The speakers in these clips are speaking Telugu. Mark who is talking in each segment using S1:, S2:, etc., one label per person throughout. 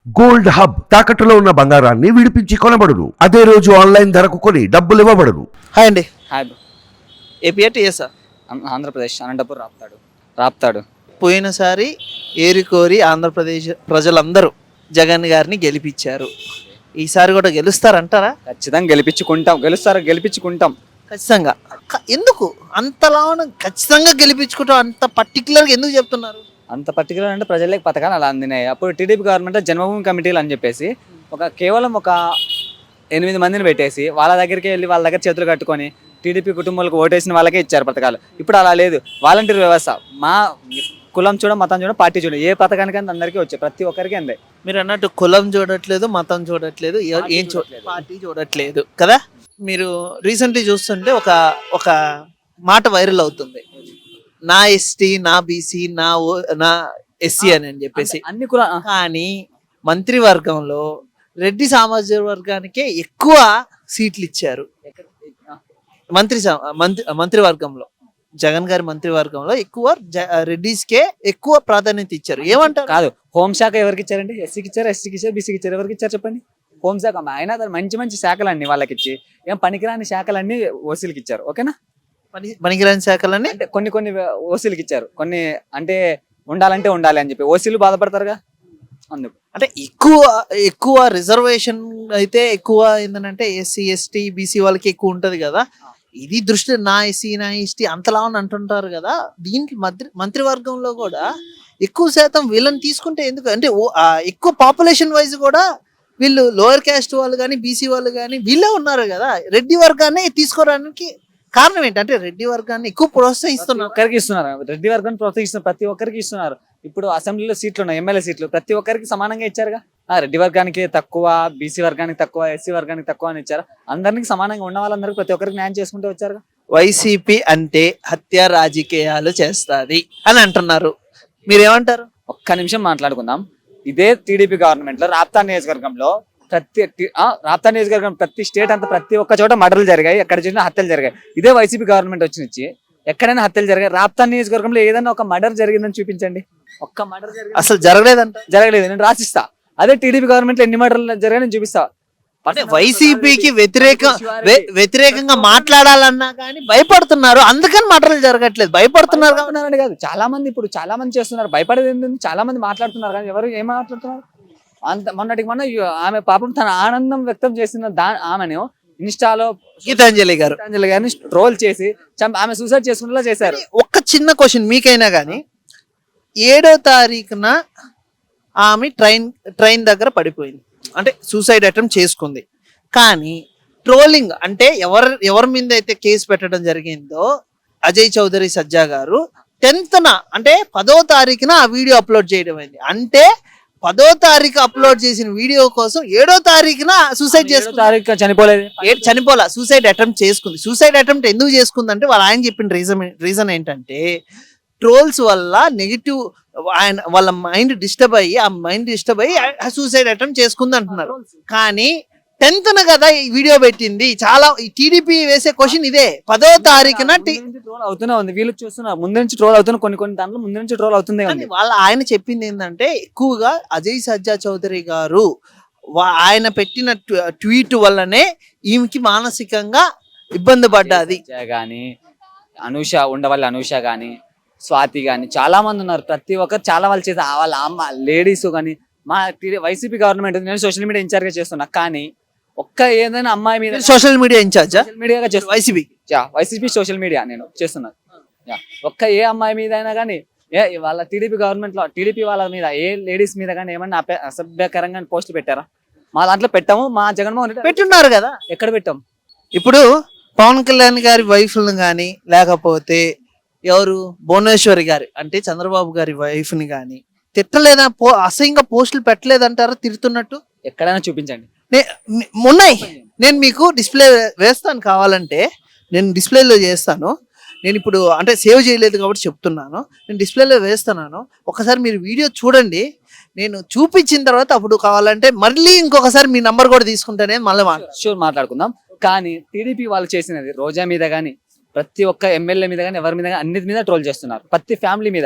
S1: గోల్డ్ హబ్ తాకట్టులో ఉన్న బంగారాన్ని విడిపించి కొనబడును. అదే రోజు ఆన్లైన్ ధరకు కొని డబ్బులు ఇవ్వబడును.
S2: హాయ్ అండి.
S3: Hi bro.
S2: AP TS
S3: Andhra Pradesh Anantapuram Raptadu.
S2: పోయినసారి ఏరికోరి ఆంధ్రప్రదేశ్ ప్రజలందరూ జగన్ గారిని గెలిపించారు. ఈసారి కూడా గెలుస్తారంటారా?
S3: ఖచ్చితంగా గెలిపించుకుంటాం.
S2: ఖచ్చితంగా. ఎందుకు అంతలా ఖచ్చితంగా గెలిపించుకుంటాం? అంత పర్టికులర్గా ఎందుకు చెప్తున్నారు?
S3: అంత పర్టికులర్ అంటే ప్రజలకు పథకాలు అలా అందినాయి. అప్పుడు టీడీపీ గవర్నమెంట్ జన్మభూమి కమిటీలు అని చెప్పేసి కేవలం ఒక 8 మందిని పెట్టేసి వాళ్ళ దగ్గరికి వెళ్ళి వాళ్ళ దగ్గర చేతులు కట్టుకొని టీడీపీ కుటుంబాలకు ఓటేసిన వాళ్ళకే ఇచ్చారు పథకాలు. ఇప్పుడు అలా లేదు. వాలంటీర్ వ్యవస్థ. మా కులం చూడ, మతం చూడ, పార్టీ చూడ, ఏ పథకానికైనా అందరికీ వచ్చాయి, ప్రతి ఒక్కరికి అందాయి.
S2: మీరు అన్నట్టు కులం చూడట్లేదు, మతం చూడట్లేదు, ఏం చూడట్లేదు, పార్టీ చూడట్లేదు కదా. మీరు రీసెంట్లీ చూస్తుంటే ఒక మాట వైరల్ అవుతుంది, నా ఎస్టీ, నా బీసీ, నా ఎస్సీ అని చెప్పేసి.
S3: అన్ని కుల
S2: కానీ మంత్రివర్గంలో రెడ్డి సామాజిక వర్గానికే ఎక్కువ సీట్లు ఇచ్చారు. మంత్రివర్గంలో జగన్ గారి మంత్రివర్గంలో ఎక్కువ రెడ్డిస్కే ఎక్కువ ప్రాధాన్యత ఇచ్చారు. ఏమంటారు?
S3: కాదు, హోంశాఖ ఎవరికి ఇచ్చారండి? ఎస్సీకి ఇచ్చారు, ఎస్టీకి ఇచ్చారు, బీసీకి ఇచ్చారు. ఎవరికి ఇచ్చారు చెప్పండి? హోంశాఖ. ఆయన మంచి శాఖలన్నీ వాళ్ళకి ఇచ్చి ఏం పనికిరాని శాఖలన్నీ ఓసీలకి ఇచ్చారు. ఓకేనా?
S2: పనికిరాని శాఖలన్నీ
S3: అంటే కొన్ని ఓసీలకి ఇచ్చారు, కొన్ని అంటే ఉండాలి అని చెప్పి ఓసీలు బాధపడతారుగా. అందుకు
S2: అంటే ఎక్కువ రిజర్వేషన్ అయితే ఎక్కువ ఏంటంటే ఎస్సీ, ఎస్టీ, బీసీ వాళ్ళకి ఎక్కువ ఉంటది కదా. ఇది దృష్టి నా ఎస్సీ, నా ఎస్టీ అంతలా అని అంటుంటారు కదా. దీనికి మంత్రివర్గంలో కూడా ఎక్కువ శాతం వీళ్ళని తీసుకుంటే ఎందుకు అంటే ఎక్కువ పాపులేషన్ వైజ్ కూడా వీళ్ళు లోయర్ క్యాస్ట్ వాళ్ళు కానీ, బీసీ వాళ్ళు కానీ వీళ్ళే ఉన్నారు కదా. రెడ్డి వర్గాన్ని తీసుకోవడానికి కారణం ఏంటంటే రెడ్డి వర్గాన్ని ఎక్కువ ప్రోత్సహిస్తున్నారు.
S3: ఒక్కరికి ఇస్తున్నారు, రెడ్డి వర్గాన్ని ప్రోత్సహిస్తున్నారు, ప్రతి ఒక్కరికి ఇస్తున్నారు. ఇప్పుడు అసెంబ్లీలో సీట్లు ఉన్నాయి, ఎమ్మెల్యే సీట్లు ప్రతి ఒక్కరికి సమానంగా ఇచ్చారుగా. రెడ్డి వర్గానికి తక్కువ, బీసీ వర్గానికి తక్కువ, ఎస్సీ వర్గానికి తక్కువ అని ఇచ్చారు. అందరికి సమానంగా ఉన్న వాళ్ళందరికీ ప్రతి ఒక్కరికి న్యాయం చేసుకుంటూ వచ్చారుగా.
S2: వైసీపీ అంటే హత్య రాజకీయాలు చేస్తుంది అని అంటున్నారు, మీరేమంటారు?
S3: ఒక్క నిమిషం మాట్లాడుకుందాం. ఇదే టీడీపీ గవర్నమెంట్ లో రాప్తాడు నియోజకవర్గంలో ప్రతి స్టేట్ అంతా ప్రతి ఒక్క చోట మర్డర్లు జరిగాయి, ఎక్కడ చూసినా హత్యలు జరిగాయి. ఇదే వైసీపీ గవర్నమెంట్ వచ్చి ఎక్కడైనా హత్యలు జరిగాయి. రాప్తాడు నియోజకవర్గంలో ఏదైనా ఒక మర్డర్ జరిగిందని చూపించండి. ఒక్క మర్డర్
S2: అసలు జరగలేదు,
S3: నేను రాసిస్తా. అదే టీడీపీ గవర్నమెంట్ లో ఎన్ని మర్డర్లు జరిగాయి నేను చూపిస్తా.
S2: అంటే వైసీపీకి వ్యతిరేకంగా మాట్లాడాలన్నా కానీ భయపడుతున్నారు, అందుకని మర్డర్లు జరగట్లేదు. భయపడుతున్నారు
S3: కాదు, చాలా మంది చేస్తున్నారు. భయపడేది ఏంటంటే చాలా మంది మాట్లాడుతున్నారు, కానీ ఎవరు ఏం మాట్లాడుతున్నారు? మొన్న ఆమె పాపం తన ఆనందం వ్యక్తం చేసిన ఆమెను ఇన్స్టాలో
S2: గీతాంజలి
S3: గారిని ట్రోల్ చేసి ఆమె సూసైడ్ చేసుకునేలా చేశారు.
S2: ఒక్క చిన్న క్వశ్చన్ మీకైనా కానీ, 7వ తారీఖున ఆమె ట్రైన్ దగ్గర పడిపోయింది, అంటే సూసైడ్ అటెంప్ట్ చేసుకుంది. కానీ ట్రోలింగ్ అంటే ఎవరి మీద అయితే కేసు పెట్టడం జరిగిందో అజయ్ చౌదరి సజ్జా గారు 10th అంటే 10వ తారీఖున ఆ వీడియో అప్లోడ్ చేయడం అయింది. అంటే 10వ తారీఖు అప్లోడ్ చేసిన వీడియో కోసం 7వ తారీఖున సూసైడ్ చనిపోలే, సూసైడ్ అటెంప్ట్ చేసుకుంది. సూసైడ్ అటెంప్ట్ ఎందుకు చేసుకుంది అంటే ఆయన చెప్పిన రీజన్ ఏంటంటే ట్రోల్స్ వల్ల నెగిటివ్ వాళ్ళ మైండ్ డిస్టర్బ్ అయ్యి సూసైడ్ అటెంప్ట్ చేసుకుంది అంటున్నారు. కానీ 10th కదా ఈ వీడియో పెట్టింది. చాలా టీడీపీ వేసే క్వశ్చన్ ఇదే, 10వ తారీఖున
S3: ట్రోల్ అవుతూనే ఉంది. వీళ్ళు చూస్తున్నారు ముందు నుంచి ట్రోల్ అవుతున్నా, కొన్ని దాంట్లో ముందు నుంచి ట్రోల్ అవుతుంది.
S2: ఆయన చెప్పింది ఏంటంటే ఎక్కువగా అజయ్ సజ్జా చౌదరి గారు ఆయన పెట్టిన ట్వీట్ వల్లనే ఈమెకి మానసికంగా ఇబ్బంది పడ్డది.
S3: గానీ అనూష గానీ, స్వాతి గానీ చాలా మంది ఉన్నారు. ప్రతి ఒక్కరు చాలా వాళ్ళు చేసే వాళ్ళ అమ్మ లేడీస్ కానీ మా వైసీపీ గవర్నమెంట్, నేను సోషల్ మీడియా ఇన్ఛార్జ్ గా చేస్తున్నా. కానీ ఒక్క ఏదైనా అమ్మాయి మీద
S2: సోషల్ మీడియా ఇన్ఛార్జ్
S3: మీడియాగా వైసీపీ సోషల్ మీడియా నేను చేస్తున్నాను. ఒక్క ఏ అమ్మాయి మీద అయినా కానీ వాళ్ళ టీడీపీ గవర్నమెంట్ లో టీడీపీ వాళ్ళ మీద ఏ లేడీస్ మీద కానీ ఏమన్నా అసభ్యకరంగా పోస్టులు పెట్టారా? మా దాంట్లో పెట్టాము. మా జగన్మోహన్ రెడ్డి
S2: పెట్టున్నారు కదా.
S3: ఎక్కడ పెట్టాం?
S2: ఇప్పుడు పవన్ కళ్యాణ్ గారి వైఫ్ని కానీ, లేకపోతే ఎవరు భువనేశ్వరి గారి అంటే చంద్రబాబు గారి వైఫ్ ని కానీ తిట్టలేదా? అసహ్యంగా పోస్టులు పెట్టలేదంటారా తిడుతున్నట్టు?
S3: ఎక్కడైనా చూపించండి.
S2: ఉన్నాయి, నేను మీకు డిస్ప్లే వేస్తాను, కావాలంటే నేను డిస్ప్లేలో చేస్తాను. నేను ఇప్పుడు అంటే సేవ్ చేయలేదు కాబట్టి చెప్తున్నాను, నేను డిస్ప్లేలో వేస్తున్నాను. ఒకసారి మీరు వీడియో చూడండి, నేను చూపించిన తర్వాత అప్పుడు కావాలంటే మళ్ళీ ఇంకొకసారి మీ నంబర్ కూడా తీసుకుంటేనే మళ్ళీ
S3: మాట్లాడుకుందాం. కానీ టీడీపీ వాళ్ళు చేసినది రోజా మీద కానీ, ప్రతి ఒక్క ఎమ్మెల్యే మీద కానీ, ఎవరి మీద కానీ అన్నిటి మీద ట్రోల్ చేస్తున్నారు. ప్రతి ఫ్యామిలీ మీద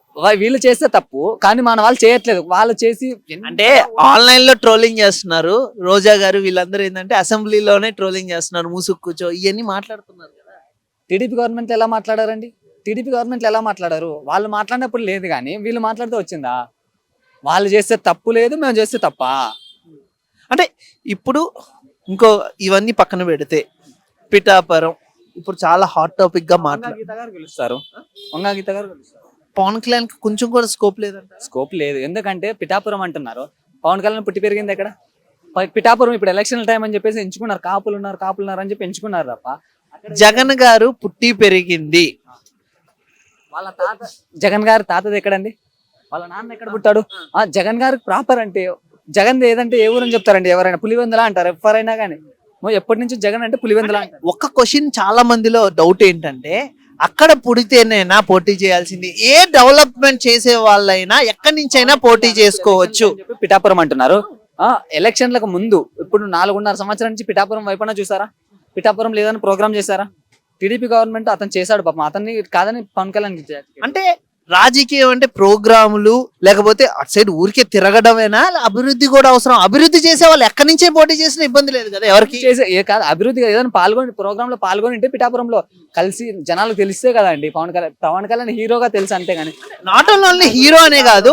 S3: వీళ్ళు చేస్తే తప్పు, కానీ మన వాళ్ళు చేయట్లేదు. వాళ్ళు చేసి
S2: అంటే ఆన్లైన్ లో ట్రోలింగ్ చేస్తున్నారు. రోజా గారు వీళ్ళందరూ ఏంటంటే అసెంబ్లీలోనే ట్రోలింగ్ చేస్తున్నారు, మూసుకు కూర్చో ఇవన్నీ మాట్లాడుతున్నారు కదా.
S3: టీడీపీ గవర్నమెంట్ ఎలా మాట్లాడారండి? టీడీపీ గవర్నమెంట్ ఎలా మాట్లాడారు? వాళ్ళు మాట్లాడినప్పుడు లేదు, కానీ వీళ్ళు మాట్లాడితే వచ్చిందా? వాళ్ళు చేస్తే తప్పు లేదు, మేము చేస్తే తప్ప.
S2: అంటే ఇప్పుడు ఇంకో ఇవన్నీ పక్కన పెడితే పిఠాపురం ఇప్పుడు చాలా హాట్ టాపిక్ గా మాట్లాడు.
S3: గీత గారు గెలుస్తారు, వంగా గీత గారు గెలుస్తారు.
S2: పవన్ కళ్యాణ్ కి కొంచెం కూడా స్కోప్ లేదంట.
S3: స్కోప్ లేదు, ఎందుకంటే పిఠాపురం అంటున్నారు. పవన్ కళ్యాణ్ పుట్టి పెరిగింది ఎక్కడ? పిఠాపురం ఇప్పుడు ఎలక్షన్ టైం అని చెప్పేసి ఎంచుకున్నారు. కాపులు ఉన్నారు అని చెప్పి ఎంచుకున్నారు తప్ప
S2: జగన్ గారు పుట్టి పెరిగింది
S3: వాళ్ళ తాత, జగన్ గారి తాతది ఎక్కడండి? వాళ్ళ నాన్న ఎక్కడ పుట్టాడు? జగన్ గారికి ప్రాపర్ అంటే జగన్ ఏదంటే ఏ ఊరని చెప్తారండి? ఎవరైనా పులివెందుల అంటారు, ఎవరైనా కానీ. ఎప్పటి నుంచి జగన్ అంటే పులివెందుల అంటారు.
S2: ఒక్క క్వశ్చన్ చాలా మందిలో డౌట్ ఏంటంటే అక్కడ పుడితేనేనా పోటీ చేయాల్సింది? ఏ డెవలప్మెంట్ చేసే వాళ్ళైనా ఎక్కడి నుంచైనా పోటీ చేసుకోవచ్చు.
S3: పిఠాపురం అంటున్నారు. ఎలక్షన్లకు ముందు ఇప్పుడు 4.5 సంవత్సరాల నుంచి పిఠాపురం వైపున చూసారా? పిఠాపురం లేదని ప్రోగ్రామ్ చేశారా? టీడీపీ గవర్నమెంట్ అతను చేశాడు పాపం, అతన్ని కాదని పవన్ కళ్యాణ్
S2: అంటే రాజకీయం అంటే ప్రోగ్రాములు లేకపోతే అటు సైడ్ ఊరికే తిరగడమేనా? అభివృద్ధి కూడా అవసరం. అభివృద్ధి చేసే వాళ్ళు ఎక్కడి నుంచే పోటీ చేసినా ఇబ్బంది లేదు కదా ఎవరికి.
S3: చేసే కాదు అభివృద్ధి ఏదైనా ప్రోగ్రామ్ లో పాల్గొని పిఠాపురంలో కలిసి జనాలకు తెలిస్తే కదా అండి. పవన్ కళ్యాణ్ హీరోగా తెలుసు అంతే కానీ
S2: నాట్ ఓన్లీ హీరో అనే కాదు,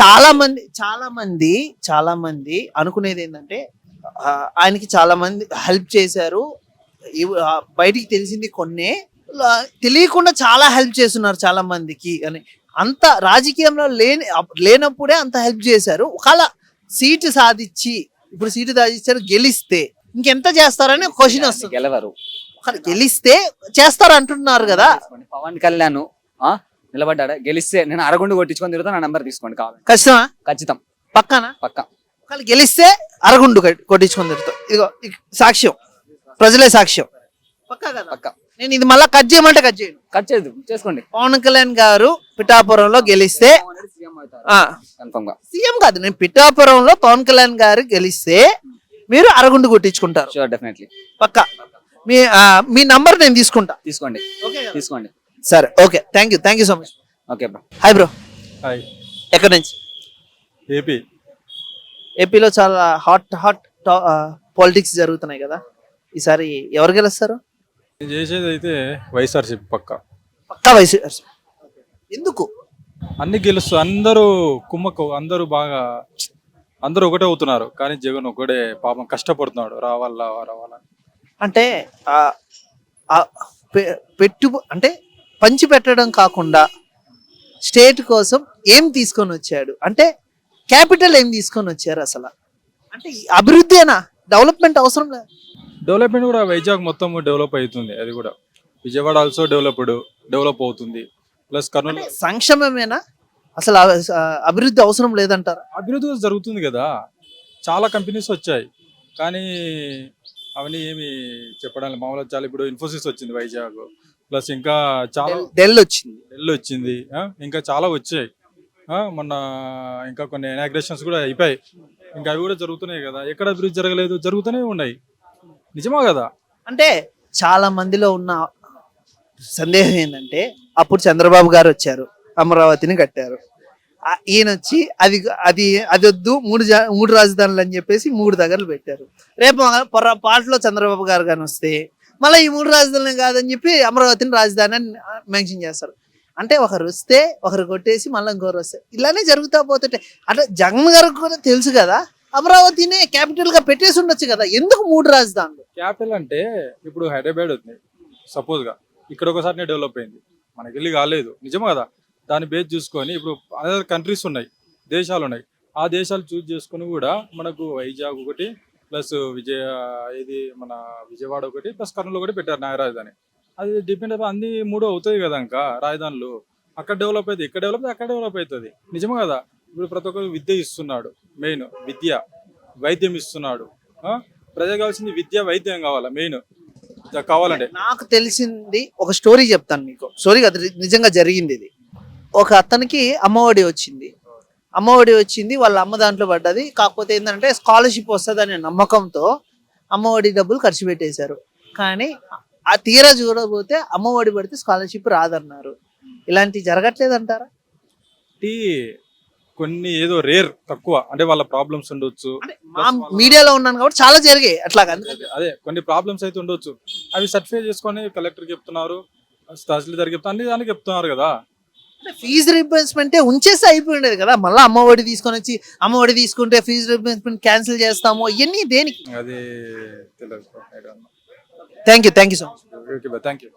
S2: చాలా మంది అనుకునేది ఏంటంటే ఆయనకి చాలా మంది హెల్ప్ చేశారు. బయటికి తెలిసింది కొన్నే, తెలియకుండా చాలా హెల్ప్ చేస్తున్నారు చాలా మందికి అని. అంత రాజకీయంలో లేనప్పుడే అంత హెల్ప్ చేశారు. ఒకవేళ సీటు సాధించారు గెలిస్తే ఇంకెంత చేస్తారని క్వశ్చన్ వస్తుంది.
S3: గెలవరు,
S2: గెలిస్తే చేస్తారు అంటున్నారు కదా.
S3: పవన్ కళ్యాణ్ నిలబడ్డా గెలిస్తే నేను అరగుండు కొట్టించుకొని తిరుగుతా, నా నెంబర్ తీసుకోండి కావాలి.
S2: ఖచ్చితమా?
S3: ఖచ్చితం,
S2: పక్కానా?
S3: పక్కా.
S2: ఒకవేళ గెలిస్తే అరగుండు కొట్టించుకొని తిరుగుతా. ఇదిగో సాక్ష్యం, ప్రజలే సాక్ష్యం. పక్కా కదా?
S3: పక్కా.
S2: నేను ఇది మళ్ళీ కట్ చేయమంటే కట్ చేయను.
S3: కట్ చేయదు, చేసుకోండి.
S2: పవన్ కళ్యాణ్ గారు పిఠాపురంలో గెలిస్తే సీఎం కాదు, నేను పిఠాపురంలో పవన్ కళ్యాణ్ గారు గెలిస్తే మీరు అరగుండు కొట్టించుకుంటారు.
S3: షూర్, డెఫినెట్లీ,
S2: పక్కా. మీ నంబర్ నేను తీసుకుంటా.
S3: తీసుకోండి, తీసుకోండి.
S2: సరే, okay, thank you so much.
S3: Okay bro.
S2: Hi bro.
S4: Hi.
S2: ఎక్కడి నుంచి?
S4: ఏపీ.
S2: ఏపీలో చాలా హాట్ పాలిటిక్స్ జరుగుతున్నాయి కదా. ఈసారి ఎవరు గెలుస్తారు?
S4: నేను చేసేది అయితే వైఎస్ఆర్సీపీ పక్కా.
S2: పక్కా వైఎస్ఆర్. ఎందుకు?
S4: అన్ని గెలుస్తూ అందరూ కుమ్మక్కు, అందరూ ఒకటే అవుతున్నారు, కానీ జగన్ ఒకటే పాపం కష్టపడుతున్నాడు రావాలా.
S2: అంటే అంటే పంచి పెట్టడం కాకుండా స్టేట్ కోసం ఏం తీసుకొని వచ్చాడు అంటే క్యాపిటల్ ఏం తీసుకొని వచ్చారు అసలు? అంటే అభివృద్ధి డెవలప్మెంట్ అవసరం లేదు.
S4: డెవలప్మెంట్ కూడా వైజాగ్ మొత్తం డెవలప్ అవుతుంది, అది కూడా విజయవాడ ఆల్సో డెవలప్ అవుతుంది. ప్లస్ కర్నూలు
S2: సంక్షేమమేనా అసలు? అభివృద్ధి అవసరం లేదంటారా?
S4: అభివృద్ధి జరుగుతుంది కదా, చాలా కంపెనీస్ వచ్చాయి, కానీ అవన్నీ ఏమి చెప్పడానికి మామూలుగా. చాలా ఇప్పుడు ఇన్ఫోసిస్ వచ్చింది వైజాగ్, ప్లస్ ఇంకా చాలా
S2: డెల్
S4: వచ్చింది, ఇంకా చాలా వచ్చాయి. మొన్న ఇంకా కొన్ని ఇనాగ్రేషన్స్ కూడా అయిపోయాయి, ఇంకా అవి కూడా జరుగుతున్నాయి కదా. ఎక్కడ అభివృద్ధి జరగలేదు, జరుగుతూనే ఉన్నాయి. నిజమా కదా?
S2: అంటే చాలా మందిలో ఉన్న సందేహం ఏంటంటే అప్పుడు చంద్రబాబు గారు వచ్చారు, అమరావతిని కట్టారు. ఈయన వచ్చి అది వద్దు, మూడు రాజధానులు అని చెప్పేసి 3 దగ్గరలు పెట్టారు. రేపు పాటలో చంద్రబాబు గారు కానీ వస్తే మళ్ళీ ఈ 3 రాజధానులు కాదని చెప్పి అమరావతిని రాజధాని అని మెన్షన్ చేస్తారు. అంటే ఒకరు వస్తే ఒకరు కొట్టేసి మళ్ళీ ఇంకొకరు వస్తే ఇలానే జరుగుతా పోతుంటే, అంటే జగన్ గారికి కూడా తెలుసు కదా అమరావతినే క్యాపిటల్ గా పెట్టేసి ఉండొచ్చు కదా, ఎందుకు 3 రాజధానులు?
S4: క్యాపిటల్ అంటే ఇప్పుడు హైదరాబాద్ ఉంది సపోజ్ గా, ఇక్కడ ఒకసారి డెవలప్ అయింది, మనకి వెళ్ళి కాలేదు. నిజమా కదా? దాన్ని బేస్ చూసుకొని ఇప్పుడు అదర్ కంట్రీస్ ఉన్నాయి, దేశాలు ఉన్నాయి, ఆ దేశాలు చూస్ చేసుకుని కూడా మనకు వైజాగ్ ఒకటి ప్లస్ మన విజయవాడ ఒకటి ప్లస్ కర్నూలు ఒకటి పెట్టారు న్యాయ రాజధాని. అది డిపెండ్ అయిపోయి అన్ని 3 అవుతాయి కదా ఇంకా రాజధానులు. అక్కడ డెవలప్ అవుతుంది, ఇక్కడ డెవలప్ అక్కడ డెవలప్ అవుతుంది. నిజమా కదా? ఇప్పుడు ప్రతి ఒక్కరు విద్య ఇస్తున్నాడు, మెయిన్ విద్య, వైద్యం ఇస్తున్నాడు. ప్రజలు కావాల్సింది విద్య, వైద్యం కావాలా మెయిన్ కావాలంటే.
S2: నాకు తెలిసింది ఒక స్టోరీ చెప్తాను మీకు. స్టోరీ అది నిజంగా జరిగింది. ఇది ఒక అతనికి అమ్మఒడి వచ్చింది, వాళ్ళ అమ్మ దాంట్లో పడ్డది. కాకపోతే ఏంటంటే స్కాలర్షిప్ వస్తుంది అనే నమ్మకంతో అమ్మఒడి డబ్బులు ఖర్చు పెట్టేశారు. కానీ ఆ తీరా చూడకపోతే అమ్మఒడి పడితే స్కాలర్షిప్ రాదన్నారు. ఇలాంటివి జరగట్లేదు అంటారా?
S4: కాబట్టి కొన్ని ఏదో రేర్ తక్కువ అంటే వాళ్ళ ప్రాబ్లమ్స్ ఉండొచ్చు.
S2: అంటే మా మీడియాలో ఉన్నాను కాబట్టి చాలా జరిగాయి అట్లాగా.
S4: అదే కొన్ని ప్రాబ్లమ్స్ అయితే ఉండొచ్చు. అవి సర్టిఫై చేసుకొని కలెక్టర్ చెప్తున్నారు, తహసీల్దార్ చెప్తున్నారు, అన్ని దానికి చెప్తున్నారు కదా.
S2: ఫీజు రీంబర్స్మెంట్ ఉంచేస్తే అయిపోయి ఉండేది కదా, మళ్ళీ అమ్మఒడి తీసుకొని వచ్చి అమ్మఒడి తీసుకుంటే ఫీజు రీంబర్స్మెంట్ క్యాన్సిల్ చేస్తాము ఇవన్నీ దేనికి?
S4: అది తెలియదు.
S2: Thank you so much.
S4: Okay, thank you.